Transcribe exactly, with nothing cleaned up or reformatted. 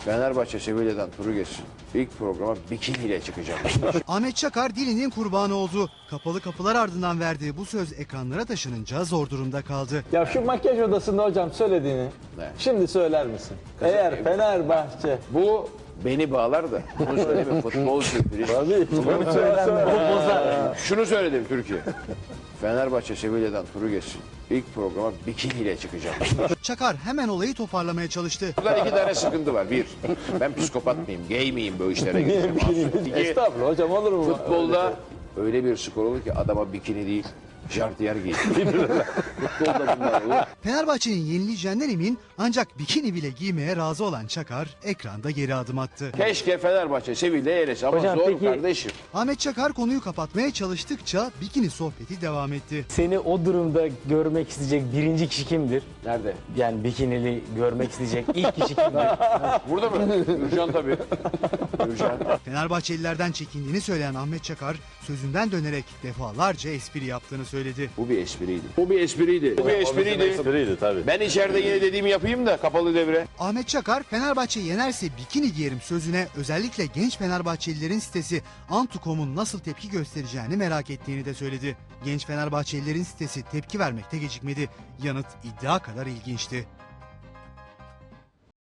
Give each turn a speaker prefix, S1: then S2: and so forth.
S1: Fenerbahçe Sevilla'dan turu geçsin. İlk programa bikiniyle çıkacağım.
S2: Ahmet Çakar dilinin kurbanı oldu. Kapalı kapılar ardından verdiği bu söz ekranlara taşınınca zor durumda kaldı.
S3: Ya şu makyaj odasında hocam söylediğini
S1: Ne?
S3: şimdi söyler misin? Eğer Fenerbahçe...
S1: Bu beni bağlar da bunu söyleme futbolcu.
S3: Tabii. Bunu söylenme.
S1: Şunu söyledim Türkiye. Fenerbahçe Sevilla'dan turu geçsin. İlk programa bikiniyle çıkacağım.
S2: Çakar hemen olayı toparlamaya çalıştı.
S1: Burada iki tane sıkıntı var. Bir, ben psikopat mıyım, gay miyim bu işlere gireceğim. İki,
S3: Estağfurullah hocam, olur mu?
S1: futbolda öyle bir skor olur ki adama bikini değil, jartiyer giyin. Futbolda bunlar olur.
S2: Fenerbahçe'nin yenileceğinden emin ancak bikini bile giymeye razı olan Çakar ekranda geri adım attı.
S1: Keşke Fenerbahçe Sevilla'ya elese ama
S4: Hocam
S1: zor
S4: peki-
S1: kardeşim.
S2: Ahmet Çakar konuyu kapatmaya çalıştıkça bikini sohbeti devam etti.
S4: Seni o durumda görmek isteyecek birinci kişi kimdir?
S1: Nerede?
S4: Yani bikinili görmek isteyecek ilk kişi kimdir?
S1: Burada mı? Gürcan tabii. Gürcan.
S2: Fenerbahçelilerden çekindiğini söyleyen Ahmet Çakar sözünden dönerek defalarca espri yaptığını söyledi.
S1: Bu bir espriydi. Bu bir espriydi. Bu bir espriydi.
S3: Espriydi tabii.
S1: Ben içeride yine dediğimi yapayım da kapalı devre.
S2: Ahmet Çakar Fenerbahçe yenerse bikini giyerim sözüne özellikle genç Fenerbahçelilerin sitesi Antu nokta com'un nasıl tepki göstereceğini merak ettiğini de söyledi. Genç Fenerbahçelilerin sitesi tepki vermekte gecikmedi. Yanıt iddia kadar ilginçti.